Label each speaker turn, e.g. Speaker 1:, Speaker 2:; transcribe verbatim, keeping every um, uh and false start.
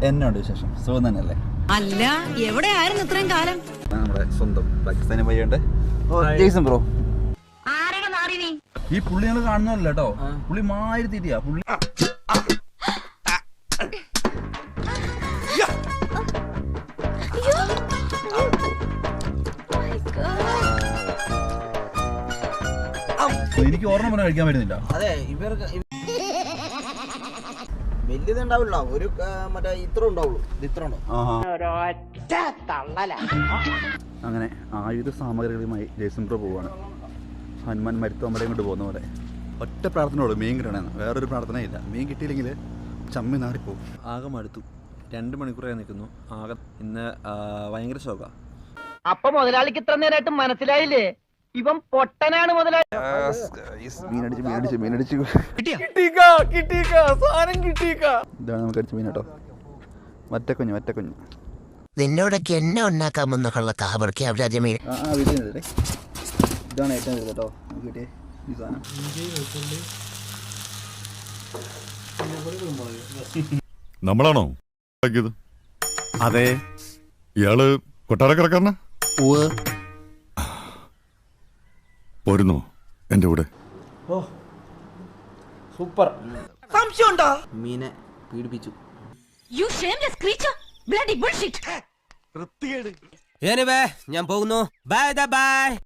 Speaker 1: എന്നോട് വിശേഷം സുഖം തന്നെയല്ലേ?
Speaker 2: അല്ല, എവിടെയായിരുന്നു ഇത്രയും കാലം?
Speaker 1: നമ്മുടെ സ്വന്തം പാകിസ്ഥാനി പയ്യുണ്ട് ജെയ്സൺ ബ്രോ. ഈ പുള്ളി ഞങ്ങൾ കാണുന്നല്ലോ കേട്ടോ, പുള്ളി മാരി തീറ്റിയാ പുള്ളി. എനിക്ക് ഓർമ്മ പറഞ്ഞാൽ കഴിക്കാൻ പറ്റുന്നില്ല.
Speaker 3: അതെ, ഇവർക്ക് വലിയതുണ്ടാവില്ല, ഒരു മറ്റേ ഇത്ര ഉണ്ടാവുള്ളൂ, ഇത്ര ഉണ്ടോ.
Speaker 1: അങ്ങനെ ആയുധ സാമഗ്രികളുമായി ജെയ്സൺ ബ്രോ പോവാണ്. ഹനുമാൻ മരുത്തോമ്പടയും കൊണ്ട് പോകുന്ന പോലെ. ഒറ്റ പ്രാർത്ഥനയോട് മീൻ കിട്ടണമെന്ന്, വേറൊരു പ്രാർത്ഥനയില്ല. മീൻ കിട്ടിയില്ലെങ്കിൽ ചമ്മി നാറിപ്പോവും. ആകെ മടുത്തു. രണ്ട് മണിക്കൂറായി നിൽക്കുന്നു. ആകെ ഇന്ന് ഭയങ്കര ശോക.
Speaker 4: അപ്പൊ മുതലാളിക്ക് ഇത്ര നേരമായിട്ട് മനസ്സിലായില്ലേ ഇവൻ പൊട്ടനാണ് മുതലാളി?
Speaker 1: മീനടിച്ച് മീനടിച്ച് മീനടിച്ച് ഇതാണ് നമുക്ക് അടിച്ച മീൻ കേട്ടോ. മറ്റക്കുഞ്ഞ് മറ്റക്കുഞ്ഞ്
Speaker 5: നിന്നോടൊക്കെ എന്നെ ഉണ്ടാക്കാമെന്നൊക്കെയുള്ള കാവർക്ക് അവരാദ്യം
Speaker 1: ആ ആ വീട്ടിൽ ഇതാണ് ഏറ്റവും കൂടുതൽ കേട്ടോ നമുക്ക് കിട്ടിയ ഈ സാധനം.
Speaker 6: നമ്മളാണോ അതെ, ഇയാള് കൊട്ടാരക്കരക്കാരനാ? പോരുന്നോ എന്റെ കൂടെ?
Speaker 3: സൂപ്പർ.
Speaker 4: സംശയമുണ്ടോ?
Speaker 3: മീനെ പീഡിപ്പിച്ചു.
Speaker 2: You shameless creature! Bloody bullshit!
Speaker 7: ഞാൻ പോകുന്നു. Bye by.